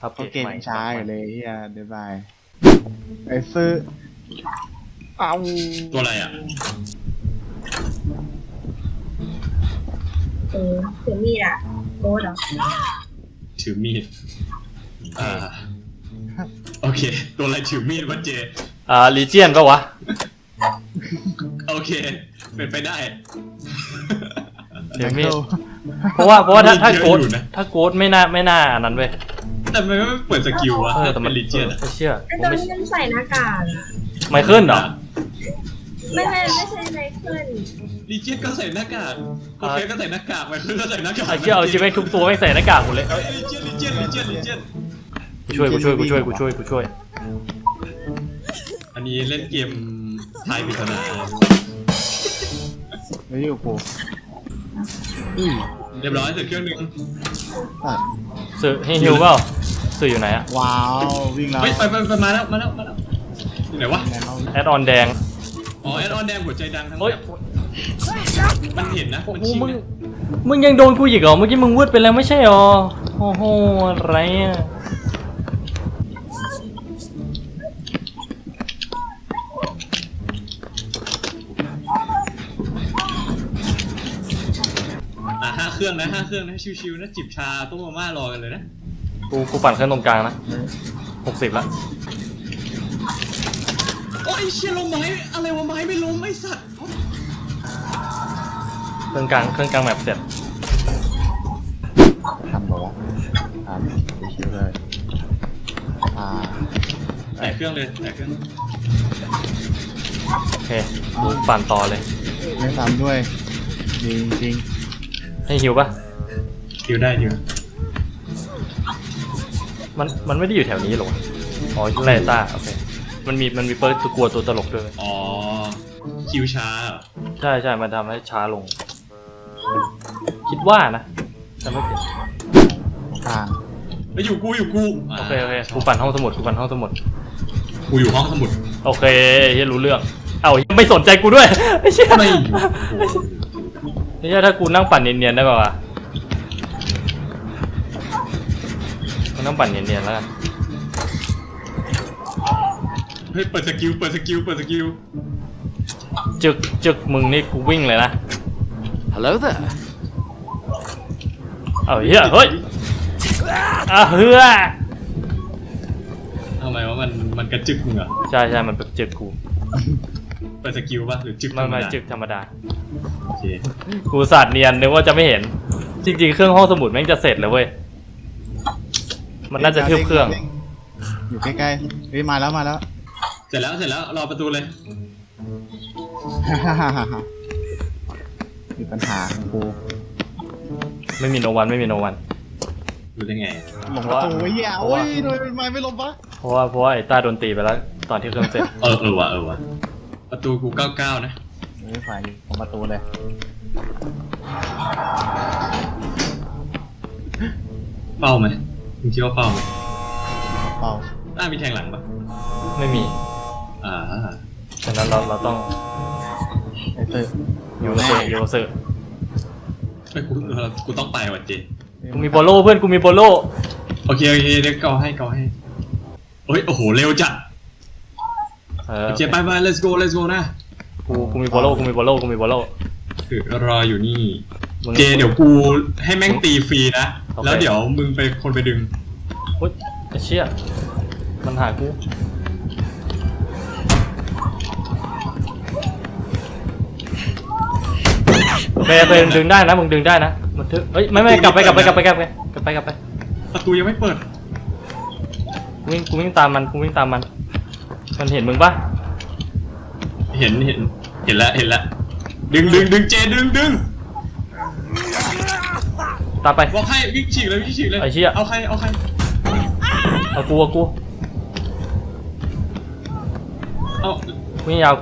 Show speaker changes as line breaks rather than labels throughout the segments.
อัป
เพราะเก
เดต
ม
ใหม่
ช้าอยู่เลยเฮียเดี๋ยวบายไอ้ซื้อเอา
ตัวอะไรอ่ะ
ถือมีดอะโกดเหรอ
ถือมีดโอเค ตัวอะไรถือมีดวะเจ
ลีเจียนปะวะ
โอเค เป็นไปได้
เดี๋ยวมีดเพราะว่าถ้าโกด
เยอะอยู่นะ
ถ้าโกดไม่น่าอันนั้นเว้ย
แต่มันไม่เปิดสกิลวะ
แต่มัน
ลิเจียน
ไม่เชื่อ
ไอ้
ผม
ตัว
ไม่
นี้มันใส่หน้ากากอะ
ไมเคิลเหรอ
ไม่ใช่ไนเคิล
ลิเจียนก็ใส่หน้ากากโอเคก็ใส่หน้ากากไปคือก็ใส่หน้ากาก
ไอ้เชี่ยเอาจริงไหมทุกตัวไม่ใส่หน้ากากหมดเลย
ลิเจียน
กูช่วย
อันนี้เล่นเกมทายปริศนา
ไม่อยู่กูอุ้ย
เรียบร้อยเสร็จเครื่องหนึง
ตัด
สื่อให้ฮิวเปล่าสื่ออยู่ไหนอะ
ว้าววิ่งแล้ว
เฮ้ยไปมาแล้วอยู่ไหนวะ
ไหนเรา
แอดออนแดง
อ๋อแอดออนแดงหัวใจดังทั้ง
โอ้ย
มันเห็นนะมัน
โอ้
ชี้
มึง
นะ
มึงยังโดนกูอีกเหรอเมื่อกี้มึงวืดไปแล้วไม่ใช่หรอโอ้โหอะไรอะ
5 เครื่องนะชิวๆนะจิบชาต้มมาม่ารอกันเลยนะ
กูปั่นเครื่องตรงกลางนะ60ละ
โอ้ยเชี่ยลมไม้อะไรวะไม้ไม่ล้มไอ้สัตว์
เครื่องกลางแมปเสร็จ
ทำบอกว่าทำไปคิวเลย
แต่เครื่องเลยแต่เครื่อง
โอเคกูปั่นต่อเลย
ไม่ทำด้วยจริง
ให้ฮิวปะ
ดิวได้ดิว
มันไม่ได้อยู่แถวนี้หรอวะอ๋อไลต้าโอเคมันมีเปิร์ตัวกลัวตัวตลกด้วย
อ๋อคิวช้าเหรอ
ใช่มันทำให้ช้าลง คิดว่านะจะไม่ผิด
ทาง
แล้วอยู่กู
โอเคกูปั่นห้องสมุด
กูอยู่ห้องสมุด
โอเคเฮียรู้เรื่องเอ้าไม่สนใจกูด้วยไอ้เชี่ย
ไม่อยู่
ไอ้เชี่ยถ้ากูนั่งปั่นเนียนๆได้ป่าวะกูนั่งปั่นเนียนๆแล้วกัน
เฮ้ยเปิดสกิล
จึกมึงนี่กูวิ่งเลยนะ
Hello there.
เอาเฮียเฮ้ยเฮือ
ทำไมว่ามันกระจึกมึงเหรอ
ใช่มันเป็นจึกกู
เปิดสกิลป่ะหรือจึก
มันจึกธรรมดา
โอเค
กูสาดเนียนนึกว่าจะไม่เห็น จริงๆเครื่องห้องสมุดแม่งจะเสร็จแล้วเว้ยมันน่าจะเทียบเครื่อง
อยู่ใกล้ๆเฮ้ยมาแล้ว
เสร็จแล้วรอประตูเลย
มีปัญหาของกู
ไม่มีโนวัน
รู้ได้ไง
หลงประตูเหี้ยโอ้ยโดยไม่ลงปะ
เพราะว่าไอ้ต้าโดนตีไปแล้วตอนที่เครื่องเสร็จ
เออว่ะประตูกู99นะ
เฮ้ยฝ่ายอยู่ของประตูเลย
เป้าไหมมึงคิดว่าเป้าไหม
เป่า
มีแทงหลังปะ
ไม่มี ฉะนั้นเราต้อง
ไอ้เตอร์
ยูเซอร์
ไม่กูต้องไปว่ะเจ
กูมีโบโลเพื่อนกูมีโบโล
โอเคเดี๋ยวเกาให้เฮ้ยโอ้โหเร็วจัดโอเคไป let's go นะ
กูมีโบโล
คือรออยู่นี่
มึง
เจเดี๋ยวกูให้แม่งตีฟรีนะ
โอเค
แล้วเดี๋ยวมึงไปคนไปดึง
โอ๊ยไอ้เชี่ยมันหากูไปดึงได้นะมึงดึงได้นะมันทึเฮ้ยไม่กลับไป
ประตูยังไม่เปิด
กูวิ่งตามมันมันเห็นมึงปะ
เห็นแล้วดึงเจดึง
ตามไป
บอกให้วิ่งฉีกเลย
ไอ้เชี่ย
เอาใคร
เอากู
เอา
วิ่งยาว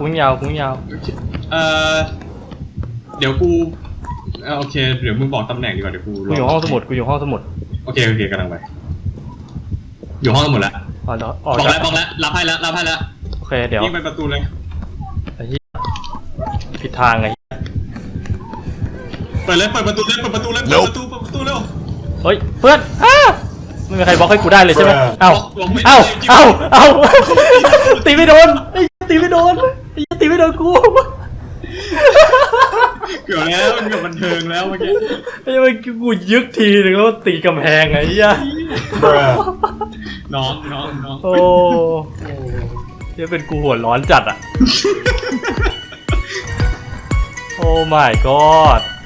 เดี๋ยวกูโอเคเดี๋ยวมึงบอกตำแหน่งดีกว่าเดี๋ยวกู
กูอยู่ห้องสมุด
โอเคกำลังไปอยู่ห้องสมุดแล้ว
อ๋อ
บอกแล้วรับให้แล้ว
โอเคเดี๋ยว
วิ่งไปประตูเลย
ไอ้เหี้ยผิดทางไง
เปิดประตูเร็ว
เฮ้ยเพื่อนไม่มีใครบล็อกให้กูได้เลยใช่ไหม
Bruh
เอ้า
บล็อกไม่ได้
เอ้า
จริงๆ
เอ้าเอ้าตีไม่โดนไอ้ตีไม่โดนไอ้ตีไม่โดนกู
เกือบแล้วมันเกือบบันเทิงแล้วเมื่อกี้
ไอ้มันกูยึกทีนึงแล้วตีกำแพงไงไอ้เหี้ย
น้อง
โอ้เหี้ยเป็นกูหัวร้อนจัดอ่ะ โอ้ my god